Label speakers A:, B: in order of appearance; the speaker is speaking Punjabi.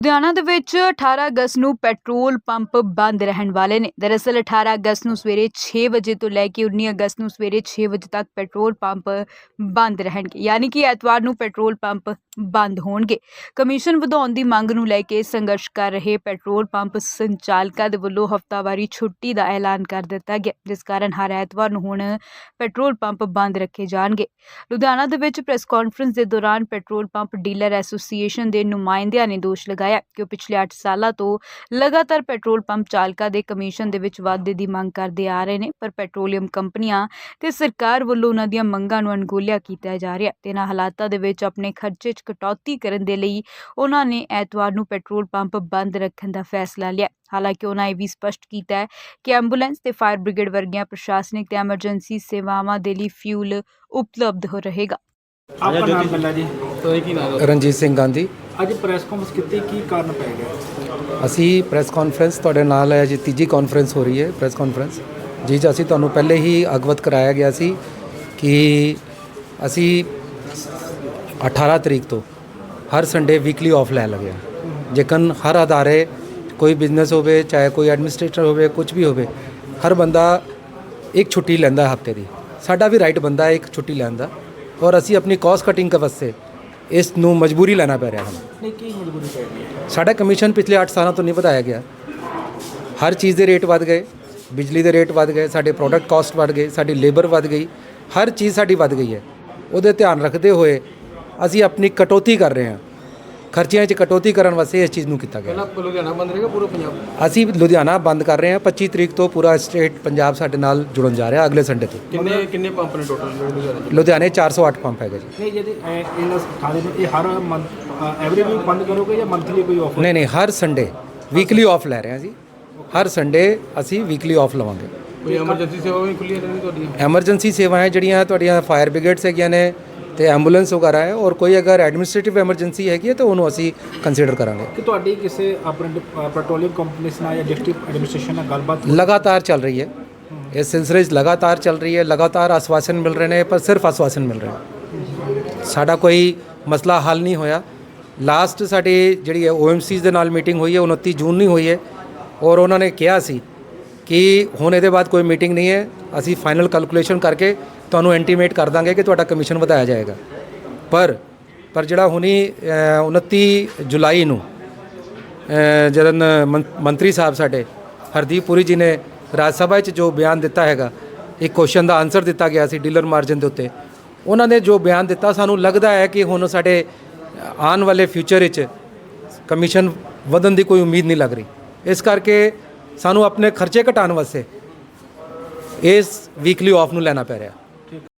A: ਲੁਧਿਆਣਾ ਦੇ ਵਿੱਚ 18 ਅਗਸਤ ਨੂੰ ਪੈਟਰੋਲ ਪੰਪ ਬੰਦ ਰਹਿਣ ਵਾਲੇ ਨੇ। ਦਰਅਸਲ 18 ਅਗਸਤ ਨੂੰ ਸਵੇਰੇ 6 ਵਜੇ ਤੋਂ ਲੈ ਕੇ 19 ਅਗਸਤ ਨੂੰ ਸਵੇਰੇ 6 ਵਜੇ ਤੱਕ ਪੈਟਰੋਲ ਪੰਪ ਬੰਦ ਰਹਿਣਗੇ, ਯਾਨੀ ਕਿ ਐਤਵਾਰ ਨੂੰ ਪੈਟਰੋਲ ਪੰਪ ਬੰਦ ਹੋਣਗੇ। ਕਮਿਸ਼ਨ ਵਧਾਉਣ ਦੀ ਮੰਗ ਨੂੰ ਲੈ ਕੇ ਸੰਘਰਸ਼ ਕਰ ਰਹੇ ਪੈਟਰੋਲ ਪੰਪ ਸੰਚਾਲਕਾਂ ਦੇ ਵੱਲੋਂ ਹਫ਼ਤਾਵਾਰੀ ਛੁੱਟੀ ਦਾ ਐਲਾਨ ਕਰ ਦਿੱਤਾ ਗਿਆ, ਜਿਸ ਕਾਰਨ ਹਰ ਐਤਵਾਰ ਨੂੰ ਹੁਣ ਪੈਟਰੋਲ ਪੰਪ ਬੰਦ ਰੱਖੇ ਜਾਣਗੇ। ਲੁਧਿਆਣਾ ਦੇ ਵਿੱਚ ਪ੍ਰੈਸ ਕਾਨਫਰੰਸ ਦੇ ਦੌਰਾਨ ਪੈਟਰੋਲ ਪੰਪ ਡੀਲਰ ਐਸੋਸੀਏਸ਼ਨ ਦੇ ਨੁਮਾਇੰਦਿਆਂ ਨੇ ਦੋਸ਼ ਲਗਾਇਆ ਕਿ ਉਹ ਪਿਛਲੇ 8 ਸਾਲਾਂ ਤੋਂ ਲਗਾਤਾਰ ਪੈਟਰੋਲ ਪੰਪ ਚਾਲਕਾਂ ਦੇ ਕਮਿਸ਼ਨ ਦੇ ਵਿੱਚ ਵਾਧੇ ਦੀ ਮੰਗ ਕਰਦੇ ਆ ਰਹੇ ਨੇ, ਪਰ ਪੈਟਰੋਲੀਅਮ ਕੰਪਨੀਆਂ ਤੇ ਸਰਕਾਰ ਵੱਲੋਂ ਉਹਨਾਂ ਦੀਆਂ ਮੰਗਾਂ ਨੂੰ ਅਣਗੌਲਿਆ ਕੀਤਾ ਜਾ ਰਿਹਾ ਤੇ ਇਹਨਾਂ ਹਾਲਾਤਾਂ ਦੇ ਵਿੱਚ ਆਪਣੇ ਖਰਚੇ 'ਚ ਕਟੌਤੀ ਕਰਨ ਦੇ ਲਈ ਉਹਨਾਂ ਨੇ ਐਤਵਾਰ ਨੂੰ ਪੈਟਰੋਲ ਪੰਪ ਬੰਦ ਰੱਖਣ ਦਾ ਫੈਸਲਾ ਲਿਆ। ਹਾਲਾਂਕਿ ਉਹਨਾਂ ਇਹ ਵੀ ਸਪਸ਼ਟ ਕੀਤਾ ਹੈ ਕਿ ਐਂਬੂਲੈਂਸ ਤੇ ਫਾਇਰ ਬ੍ਰਿਗੇਡ ਵਰਗੀਆਂ ਪ੍ਰਸ਼ਾਸਨਿਕ ਤੇ ਐਮਰਜੈਂਸੀ ਸੇਵਾਵਾਂ ਦੇ ਲਈ ਫਿਊਲ ਉਪਲਬਧ ਹੋ ਰਹੇਗਾ।
B: आपका नाम बल्ला जी
C: ਰਣਜੀਤ ਸਿੰਘ ਗਾਂਧੀ।
B: ਅੱਜ ਪ੍ਰੈਸ ਕਾਨਫਰੰਸ ਕੀਤੀ ਕੀ ਕਾਰਨ ਪੈ ਗਿਆ?
C: ਅਸੀਂ ਪ੍ਰੈਸ ਕਾਨਫਰੰਸ ਤੁਹਾਡੇ ਨਾਲ ਹੈ ਜੀ, ਤੀਜੀ ਕਾਨਫਰੰਸ ਹੋ ਰਹੀ ਹੈ ਪ੍ਰੈਸ ਕਾਨਫਰੰਸ ਜੀ। ਅਸੀਂ ਤੁਹਾਨੂੰ ਪਹਿਲੇ ਹੀ ਅਵਗਤ ਕਰਾਇਆ ਗਿਆ ਸੀ ਕਿ ਅਸੀਂ 18 ਤਰੀਕ ਤੋਂ ਹਰ ਸੰਡੇ ਵੀਕਲੀ ਆਫ ਲੈ ਲਗੇ ਜੇਕਨ ਹਰ ਅਦਾਰੇ ਕੋਈ ਬਿਜ਼ਨਸ ਹੋਵੇ, ਚਾਹੇ ਕੋਈ ਐਡਮਿਨਿਸਟ੍ਰੇਟਰ ਹੋਵੇ, ਕੁਝ ਵੀ ਹੋਵੇ, ਹਰ ਬੰਦਾ ਇੱਕ ਛੁੱਟੀ ਲੈਂਦਾ ਹਫਤੇ ਦੀ। ਸਾਡਾ ਵੀ ਰਾਈਟ ਬੰਦਾ ਹੈ ਇੱਕ ਛੁੱਟੀ ਲੈਣ ਦਾ, ਔਰ ਅਸੀਂ ਆਪਣੀ ਕਾਸਟ ਕਟਿੰਗ ਵਾਸਤੇ ਇਸ ਨੂੰ ਮਜਬੂਰੀ ਲੈਣਾ ਪੈ ਰਿਹਾ ਸਾਨੂੰ।
B: ਨਹੀਂ, ਕੀ ਮਜਬੂਰੀ ਪੈ ਗਈ ਹੈ?
C: ਸਾਡਾ ਕਮਿਸ਼ਨ ਪਿਛਲੇ 8 ਸਾਲਾਂ ਤੋਂ ਨਹੀਂ ਵਧਾਇਆ ਗਿਆ। ਹਰ ਚੀਜ਼ ਦੇ ਰੇਟ ਵੱਧ ਗਏ, ਬਿਜਲੀ ਦੇ ਰੇਟ ਵੱਧ ਗਏ, ਸਾਡੇ ਪ੍ਰੋਡਕਟ ਕਾਸਟ ਵੱਧ ਗਏ, ਸਾਡੀ ਲੇਬਰ ਵੱਧ ਗਈ, ਹਰ ਚੀਜ਼ ਸਾਡੀ ਵੱਧ ਗਈ ਹੈ। ਉਹਦੇ ਧਿਆਨ ਰੱਖਦੇ ਹੋਏ ਅਸੀਂ ਆਪਣੀ ਕਟੌਤੀ ਕਰ ਰਹੇ ਹਾਂ, ਖਰਚਿਆਂ 'ਚ ਕਟੌਤੀ ਕਰਨ ਵਾਸਤੇ ਇਸ ਚੀਜ਼ ਨੂੰ ਕੀਤਾ ਗਿਆ।
B: ਲੁਧਿਆਣਾ ਬੰਦ ਰਹੇਗਾ ਪੂਰਾ ਪੰਜਾਬ?
C: ਅਸੀਂ ਲੁਧਿਆਣਾ ਬੰਦ ਕਰ ਰਹੇ ਹਾਂ। 25 ਤਰੀਕ ਤੋਂ ਪੂਰਾ ਸਟੇਟ ਪੰਜਾਬ ਸਾਡੇ ਨਾਲ ਜੁੜਨ ਜਾ ਰਿਹਾ ਅਗਲੇ ਸੰਡੇ ਤੋਂ।
B: ਕਿੰਨੇ ਪੰਪ ਨੇ ਟੋਟਲ
C: ਲੁਧਿਆਣੇ 408 ਪੰਪ ਹੈਗੇ ਜੀ।
B: ਨਹੀਂ, ਜਿਹਦੇ ਇਹਨਾਂ ਥਾਲੇ ਨੇ ਇਹ ਹਰ ਮੰਥ ਐਵਰੀ ਵੀਕ ਬੰਦ ਕਰੋਗੇ ਜਾਂ ਮੰਥਲੀ ਕੋਈ ਆਫਰ?
C: ਨਹੀਂ, ਹਰ ਸੰਡੇ ਵੀਕਲੀ ਆਫ ਲੈ ਰਹੇ ਹਾਂ ਜੀ। ਹਰ ਸੰਡੇ ਅਸੀਂ ਵੀਕਲੀ ਆਫ ਲਵਾਂਗੇ।
B: ਕੋਈ ਐਮਰਜੈਂਸੀ ਸੇਵਾ ਵੀ ਖੁੱਲ੍ਹੀ ਹੈ ਤੁਹਾਡੀ?
C: ਐਮਰਜੈਂਸੀ ਸੇਵਾਵਾਂ ਜਿਹੜੀਆਂ ਤੁਹਾਡੀਆਂ ਫਾਇਰ ਬ੍ਰਿਗੇਡਸ ਹੈਗੀਆਂ ਨੇ ਤੇ ਐਂਬੂਲੈਂਸ ਵਗੈਰਾ ਹੈ, ਔਰ ਕੋਈ ਅਗਰ ਐਡਮਿਨਿਸਟ੍ਰੇਟਿਵ ਐਮਰਜੈਂਸੀ ਹੈਗੀ ਹੈ ਤਾਂ ਉਹਨੂੰ ਅਸੀਂ ਕੰਸੀਡਰ ਕਰਾਂਗੇ।
B: ਕਿ ਤੁਹਾਡੀ ਕਿਸੇ ਆਪਣੇ ਪੈਟਰੋਲੀਅਮ ਕੰਪਨੀ ਨਾਲ ਜਾਂ ਡਿਸਟ੍ਰਿਕਟ ਐਡਮਿਨਿਸਟ੍ਰੇਸ਼ਨ ਨਾਲ ਗੱਲਬਾਤ
C: ਲਗਾਤਾਰ ਚੱਲ ਰਹੀ ਹੈ, ਇਸ ਸਿਲਸਿਲੇ 'ਚ ਲਗਾਤਾਰ ਚੱਲ ਰਹੀ ਹੈ। ਲਗਾਤਾਰ ਆਸ਼ਵਾਸਨ ਮਿਲ ਰਹੇ ਨੇ, ਪਰ ਸਿਰਫ ਆਸ਼ਵਾਸਨ ਮਿਲ ਰਹੇ ਨੇ, ਸਾਡਾ ਕੋਈ ਮਸਲਾ ਹੱਲ ਨਹੀਂ ਹੋਇਆ। ਲਾਸਟ ਸਾਡੀ ਜਿਹੜੀ ਹੈ OMCs ਦੇ ਨਾਲ ਮੀਟਿੰਗ ਹੋਈ ਹੈ 29 ਜੂਨ ਨੂੰ ਹੋਈ ਹੈ, ਔਰ ਉਹਨਾਂ ਨੇ ਕਿਹਾ ਸੀ ਕਿ ਹੁਣ ਇਹਦੇ ਬਾਅਦ ਕੋਈ ਮੀਟਿੰਗ ਨਹੀਂ ਹੈ, ਅਸੀਂ ਫਾਈਨਲ ਕੈਲਕੂਲੇਸ਼ਨ ਕਰਕੇ ਤੁਹਾਨੂੰ ਇੰਟੀਮੇਟ ਕਰ ਦਾਂਗੇ ਕਿ ਤੁਹਾਡਾ ਕਮਿਸ਼ਨ ਵਧਾਇਆ ਜਾਏਗਾ। ਪਰ ਜਿਹੜਾ ਹੁਣੀ 29 ਜੁਲਾਈ ਨੂੰ ਜਦੋਂ ਮੰਤਰੀ ਸਾਹਿਬ ਸਾਡੇ ਹਰਦੀਪ ਪੁਰੀ ਜੀ ਨੇ ਰਾਜ ਸਭਾ 'ਚ ਜੋ ਬਿਆਨ ਦਿੱਤਾ ਹੈਗਾ, ਇੱਕ ਕੁਐਸਚਨ ਦਾ ਆਨਸਰ ਦਿੱਤਾ ਗਿਆ ਸੀ ਡੀਲਰ ਮਾਰਜਨ ਦੇ ਉੱਤੇ, ਉਹਨਾਂ ਨੇ ਜੋ ਬਿਆਨ ਦਿੱਤਾ, ਸਾਨੂੰ ਲੱਗਦਾ ਹੈ ਕਿ ਹੁਣ ਸਾਡੇ ਆਉਣ ਵਾਲੇ ਫਿਊਚਰ ਵਿੱਚ ਕਮਿਸ਼ਨ ਵਧਣ ਦੀ ਕੋਈ ਉਮੀਦ ਨਹੀਂ ਲੱਗ ਰਹੀ। ਇਸ ਕਰਕੇ ਸਾਨੂੰ ਆਪਣੇ ਖਰਚੇ ਘਟਾਉਣ ਵਾਸਤੇ ਇਸ ਵੀਕਲੀ ਆਫ ਨੂੰ ਲੈਣਾ ਪੈ ਰਿਹਾ।